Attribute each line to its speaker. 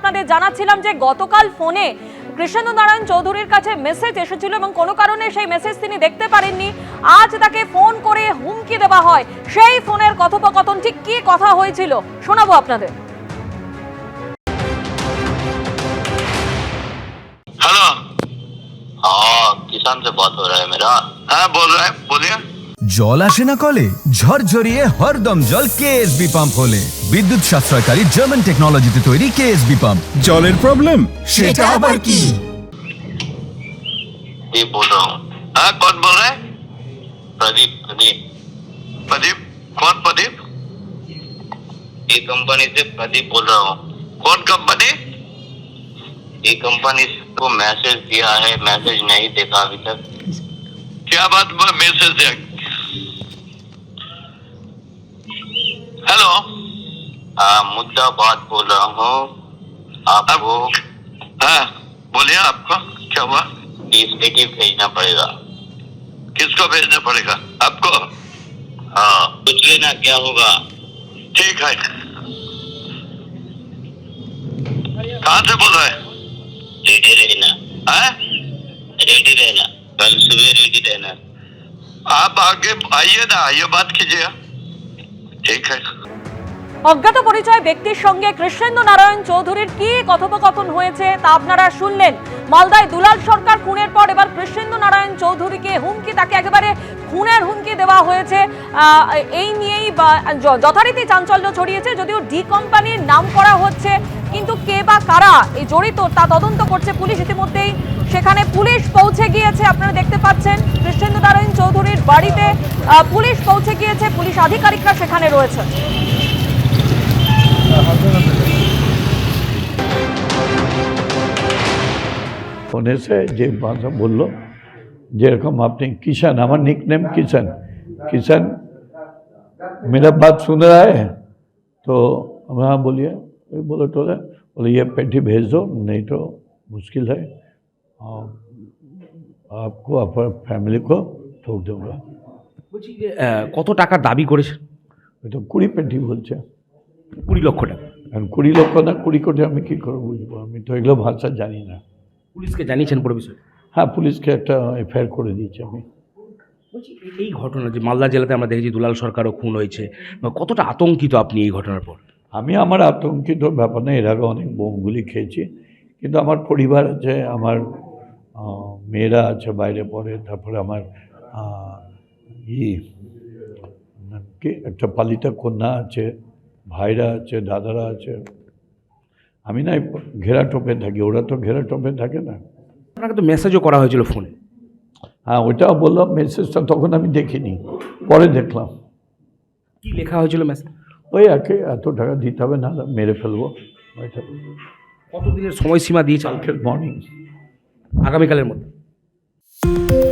Speaker 1: আপনাদের জানাচ্ছিলাম যে গতকাল ফোনে কৃষ্ণেন্দু নারায়ণ চৌধুরীর কাছে মেসেজ এসেছিল এবং কোনো কারণে সেই মেসেজ তিনি দেখতে পারেননি। আজ তাকে ফোন করে হুমকি দেওয়া হয়। সেই ফোনের কথোপকথন ঠিক কি কথা হয়েছিল শোনাবো আপনাদের।
Speaker 2: हेलो। हाँ, किसान से बात हो रहा है मेरा। हाँ, बोल रहा है, बोलिए।
Speaker 3: জল আসে না কলে, ঝরঝরিয়ে হরদম জল কেএসবি পাম্প হলে। বিদ্যুৎ সাশ্রয়কারী জার্মান টেকনোলজিতে তৈরি কেএসবি পাম্প। জলের প্রবলেম সেটা আবার কি?
Speaker 2: ये बोल रहा हूँ। हाँ, कौन बोल रहा है? प्रदीप, प्रदीप। प्रदीप, कौन प्रदीप? ये कंपनी से प्रदीप बोल रहा हूँ। कौन कंपनी? ये कंपनी को मैसेज दिया है, मैसेज नहीं देखा अभी तक। क्या बात में मैसेज है? हेलो। हाँ, मुद्दा बात बोल रहा हूँ आपको। हाँ, बोलिए, आपको क्या हुआ? इसके भेजना पड़ेगा। किसको भेजना पड़ेगा? आपको? हाँ, पूछ लेना क्या होगा। ठीक है। कहाँ से बोल रहे हैं? रेडी रहना। हाँ? रेडी रहना, कल सुबह रेडी रहना। आप आगे आइए ना, आइए बात कीजिए। ठीक है।
Speaker 1: অজ্ঞাত পরিচয় ব্যক্তির সঙ্গে কৃষ্ণেন্দু নারায়ণ চৌধুরীর কি কথোপকথন হয়েছে তা আপনারা শুনলেন। মালদায় দুলাল সরকার খুনের পর এবার কৃষ্ণেন্দু নারায়ণ চৌধুরীকে হুমকি, তাকে একেবারে খুনের হুমকি দেওয়া হয়েছে। এই নিয়েই যথারীতি চাঞ্চল্য ছড়িয়েছে। যদিও ডি কোম্পানির নাম করা হচ্ছে, কিন্তু কে বা কারা এই জড়িত তা তদন্ত করছে পুলিশ। ইতিমধ্যেই সেখানে পুলিশ পৌঁছে গিয়েছে, আপনারা দেখতে পাচ্ছেন কৃষ্ণেন্দু নারায়ণ চৌধুরীর বাড়িতে পুলিশ পৌঁছে গিয়েছে, পুলিশ আধিকারিকরা সেখানে রয়েছে।
Speaker 4: ফোনে से যে ভাষা বললো, যেরকম আপনি किशन, हमारा निकनेम किशन, किशन मेरा बात सुन रहा है? तो हाँ बोलिए। बोलो टोले, बोले ये पेटी भेज दो, नहीं तो मुश्किल है, आपको अपने फैमिली को ठोक दूंगा।
Speaker 5: বলছি যে কত টাকার দাবি করেছে?
Speaker 4: ওই তো 20 পেটি বলছে।
Speaker 5: 20 লক্ষ টাকা।
Speaker 4: এখন 20 লক্ষ না 20 কোটি আমি কী করে বুঝবো? আমি তো এগুলো ভাষা জানি না।
Speaker 5: পুলিশকে জানিয়েছেন পুরো বিষয়?
Speaker 4: হ্যাঁ, পুলিশকে একটা এফআইআর করে দিয়েছি আমি।
Speaker 5: বলছি এই ঘটনা যে মালদা জেলাতে আমরা দেখেছি দুলাল সরকারও খুন হয়েছে, কতটা আতঙ্কিত আপনি এই ঘটনার পর?
Speaker 4: আমি আমার আতঙ্কিত ব্যাপার না, এর আগে অনেক বোমগুলি খেয়েছি, কিন্তু আমার পরিবার আছে, আমার মেয়েরা আছে বাইরে পড়ে, তারপরে আমার কি একটা পালিতা কন্যা আছে, ভাইরা আছে, দাদারা আছে। আমি না ঘেরা টোপে থাকি, ওরা তো ঘেরা টোপে থাকে না।
Speaker 5: আপনাকে তো মেসেজও করা হয়েছিল ফোনে।
Speaker 4: হ্যাঁ, ওইটাও বললাম, মেসেজটা তখন আমি দেখিনি, পরে দেখলাম।
Speaker 5: কি লেখা হয়েছিল মেসেজ?
Speaker 4: ওই একে এত টাকা দিতে হবে, না মেরে ফেলবো। ওইটা
Speaker 5: কতদিনের সময়সীমা দিয়েছে?
Speaker 4: কালকের মর্নিং,
Speaker 5: আগামীকালের মধ্যে।